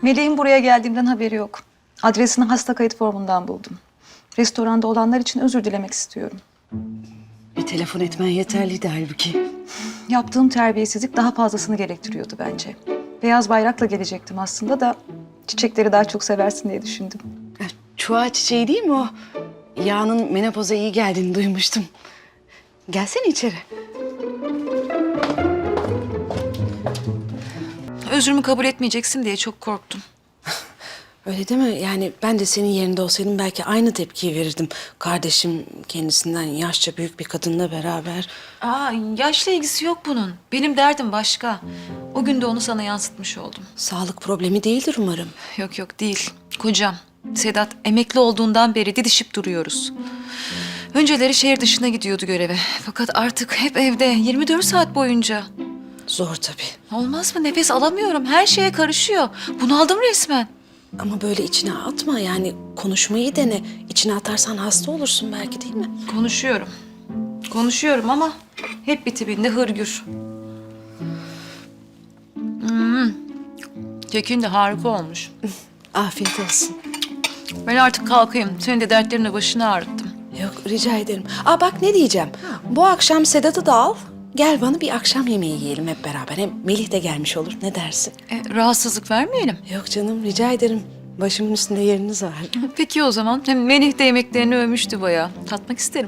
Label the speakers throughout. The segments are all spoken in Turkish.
Speaker 1: Melih'in buraya geldiğimden haberi yok. Adresini hasta kayıt formundan buldum. Restoranda olanlar için özür dilemek istiyorum.
Speaker 2: Bir telefon etmen yeterliydi halbuki.
Speaker 1: Yaptığım terbiyesizlik daha fazlasını gerektiriyordu bence. Beyaz bayrakla gelecektim aslında da çiçekleri daha çok seversin diye düşündüm.
Speaker 2: Çuha çiçeği değil mi o? Yağının menopoza iyi geldiğini duymuştum. Gelsene içeri.
Speaker 1: Özrümü kabul etmeyeceksin diye çok korktum.
Speaker 2: Öyle değil mi? Yani ben de senin yerinde olsaydım belki aynı tepkiyi verirdim. Kardeşim kendisinden yaşça büyük bir kadınla beraber.
Speaker 1: Yaşla ilgisi yok bunun. Benim derdim başka. O gün de onu sana yansıtmış oldum.
Speaker 2: Sağlık problemi değildir umarım.
Speaker 1: Yok değil. Kocam. Sedat emekli olduğundan beri didişip duruyoruz. Önceleri şehir dışına gidiyordu göreve. Fakat artık hep evde 24 saat boyunca.
Speaker 2: Zor tabii.
Speaker 1: Olmaz mı? Nefes alamıyorum. Her şeye karışıyor. Bunaldım resmen.
Speaker 2: Ama böyle içine atma yani konuşmayı dene. İçine atarsan hasta olursun belki değil mi?
Speaker 1: Konuşuyorum ama hep bir tipinde hırgür. Kekin de harika olmuş.
Speaker 2: Afiyet olsun.
Speaker 1: Ben artık kalkayım. Senin de dertlerini başına ağrıttım.
Speaker 2: Yok rica ederim. Bak ne diyeceğim. Bu akşam Sedat'ı da al. Gel bana bir akşam yemeği yiyelim hep beraber. Hem Melih de gelmiş olur. Ne dersin?
Speaker 1: Rahatsızlık vermeyelim.
Speaker 2: Yok canım rica ederim. Başımın üstünde yeriniz var.
Speaker 1: Peki o zaman. Hem Melih de yemeklerini övmüştü bayağı. Tatmak isterim.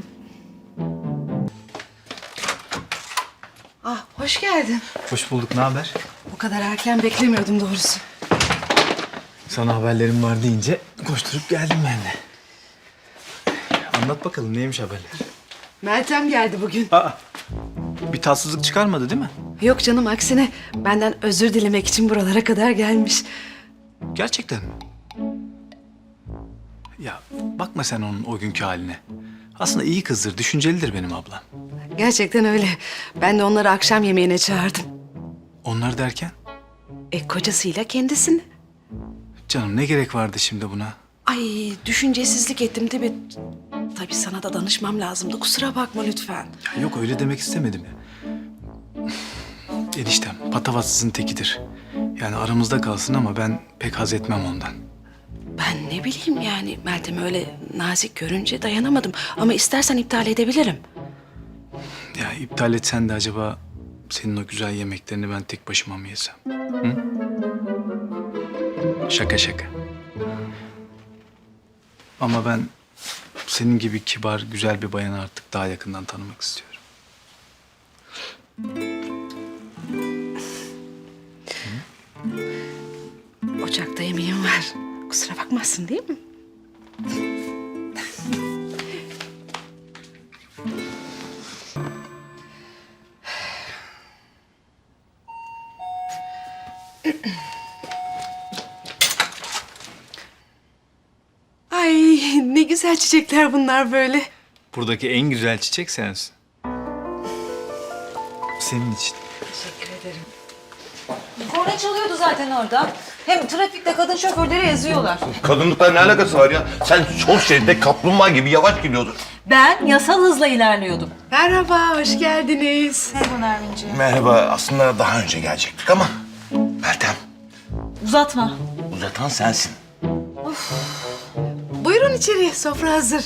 Speaker 2: Hoş geldin.
Speaker 3: Hoş bulduk, ne haber?
Speaker 2: Bu kadar erken beklemiyordum doğrusu.
Speaker 3: Sana haberlerim var deyince koşturup geldim ben de. Anlat bakalım, neymiş haberler?
Speaker 2: Meltem geldi bugün.
Speaker 3: Bir tatsızlık çıkarmadı değil mi?
Speaker 2: Yok canım aksine benden özür dilemek için buralara kadar gelmiş.
Speaker 3: Gerçekten mi? Ya bakma sen onun o günkü haline. Aslında iyi kızdır, düşüncelidir benim ablam.
Speaker 2: Gerçekten öyle. Ben de onları akşam yemeğine çağırdım.
Speaker 3: Onlar derken?
Speaker 2: Kocasıyla kendisini.
Speaker 3: Canım ne gerek vardı şimdi buna?
Speaker 2: Ay düşüncesizlik ettim değil mi? Tabii sana da danışmam lazımdı. Kusura bakma lütfen.
Speaker 3: Ya yok öyle demek istemedim ya. Eniştem patavatsızın tekidir. Yani aramızda kalsın ama ben pek haz etmem ondan.
Speaker 2: Ben ne bileyim yani Meltem öyle nazik görünce dayanamadım. Ama istersen iptal edebilirim.
Speaker 3: Ya iptal etsen de acaba senin o güzel yemeklerini ben tek başıma mı yesem? Hı? Şaka şaka. Ama ben senin gibi kibar, güzel bir bayanı artık daha yakından tanımak istiyorum.
Speaker 2: Ocakta yemeğim var. Kusura bakmazsın değil mi? Ay ne güzel çiçekler bunlar böyle.
Speaker 3: Buradaki en güzel çiçek sensin. Senin için.
Speaker 2: Teşekkür ederim.
Speaker 1: Korna çalıyordu zaten orada. Hem trafikte kadın şoförleri eziyorlar.
Speaker 4: Kadınlıkla ne alakası var ya? Sen sol şeritte kaplumbağa gibi yavaş gidiyordun.
Speaker 1: Ben yasal hızla ilerliyordum.
Speaker 2: Merhaba, hoş geldiniz.
Speaker 1: Merhaba Nermin'ciğim.
Speaker 4: Merhaba, aslında daha önce gelecektik ama... Meltem,
Speaker 1: Uzatma.
Speaker 4: uzatan sensin.
Speaker 2: Buyurun içeri, sofra hazır.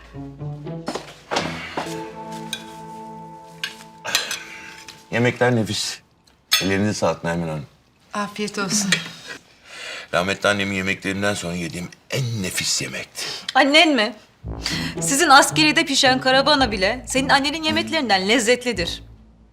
Speaker 4: Yemekler nefis. Ellerinize sağlık Nermin Hanım.
Speaker 2: Afiyet olsun.
Speaker 4: Rahmetli annemin yemeklerinden sonra yediğim en nefis yemekti.
Speaker 1: Annen mi? Sizin askeride pişen karabana bile senin annenin yemeklerinden lezzetlidir.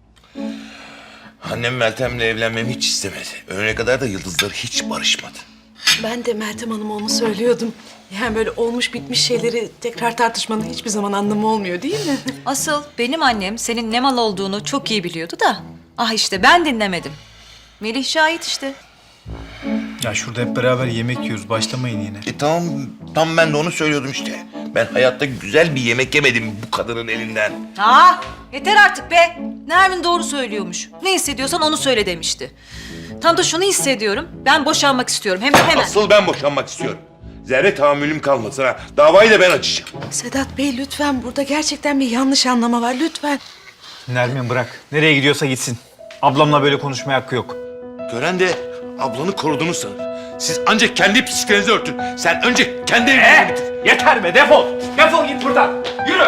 Speaker 4: Annem Meltem'le evlenmemi hiç istemedi. Öğlene kadar da yıldızlar hiç barışmadı.
Speaker 2: Ben de Meltem Hanım'a onu söylüyordum. Yani böyle olmuş bitmiş şeyleri tekrar tartışmanın hiçbir zaman anlamı olmuyor değil mi?
Speaker 1: Asıl benim annem senin ne mal olduğunu çok iyi biliyordu da. Ah işte ben dinlemedim. Melih şahit işte.
Speaker 3: Ya şurada hep beraber yemek yiyoruz. Başlamayın yine.
Speaker 4: Tamam, tam ben de onu söylüyordum işte. Ben hayatta güzel bir yemek yemedim bu kadının elinden.
Speaker 1: Yeter artık be. Nermin doğru söylüyormuş. Ne hissediyorsan onu söyle demişti. Tam da şunu hissediyorum. Ben boşanmak istiyorum. Hem de hemen.
Speaker 4: Asıl ben boşanmak istiyorum. Zerre tahammülüm kalmasın ha. Davayı da ben açacağım.
Speaker 2: Sedat Bey lütfen burada gerçekten bir yanlış anlama var lütfen.
Speaker 3: Nermin bırak. Nereye gidiyorsa gitsin. Ablamla böyle konuşmaya hakkı yok.
Speaker 4: Gören de ablanı koruduğunu sanır. Siz ancak kendi pisliklerinizi örtün. Sen önce kendi evliliğini bitir.
Speaker 5: Yeter be, defol. Defol git buradan. Yürü.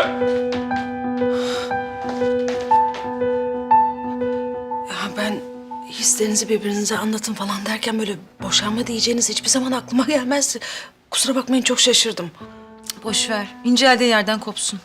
Speaker 2: Ya ben hislerinizi birbirinize anlatın falan derken böyle boşanma diyeceğiniz hiçbir zaman aklıma gelmezdi. Kusura bakmayın, çok şaşırdım.
Speaker 1: Boş ver. İnceldiği yerden kopsun.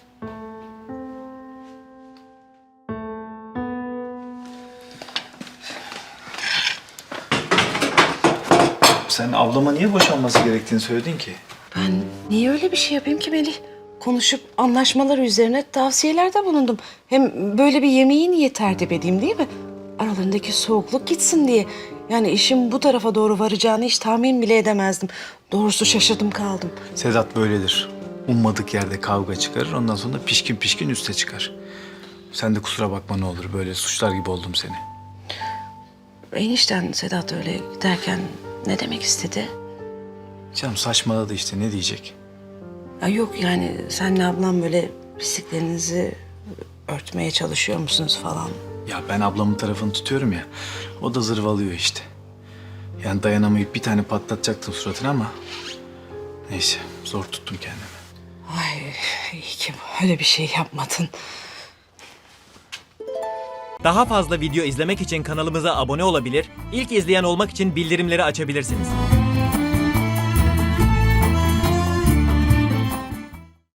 Speaker 3: Sen ablama niye boşanması gerektiğini söyledin ki?
Speaker 2: Ben niye öyle bir şey yapayım ki Melih? Konuşup anlaşmaları üzerine tavsiyelerde bulundum. Hem böyle bir yemeği niye tertip edeyim, değil mi? Aralarındaki soğukluk gitsin diye. Yani işin bu tarafa doğru varacağını hiç tahmin bile edemezdim. Doğrusu şaşırdım kaldım.
Speaker 3: Sedat böyledir. Ummadık yerde kavga çıkarır. Ondan sonra pişkin pişkin üste çıkar. Sen de kusura bakma ne olur. Böyle suçlar gibi oldum seni.
Speaker 2: Enişten Sedat öyle derken ne demek istedi?
Speaker 3: Canım saçmaladı işte, ne diyecek?
Speaker 2: Ya yok yani senle ablam böyle pisliklerinizi örtmeye çalışıyor musunuz falan?
Speaker 3: Ya ben ablamın tarafını tutuyorum ya. O da zırvalıyor işte. Yani dayanamayıp bir tane patlatacaktım suratına ama... Neyse, zor tuttum kendimi.
Speaker 2: Ay iyi ki öyle bir şey yapmadın.
Speaker 6: Daha fazla video izlemek için kanalımıza abone olabilir, ilk izleyen olmak için bildirimleri açabilirsiniz.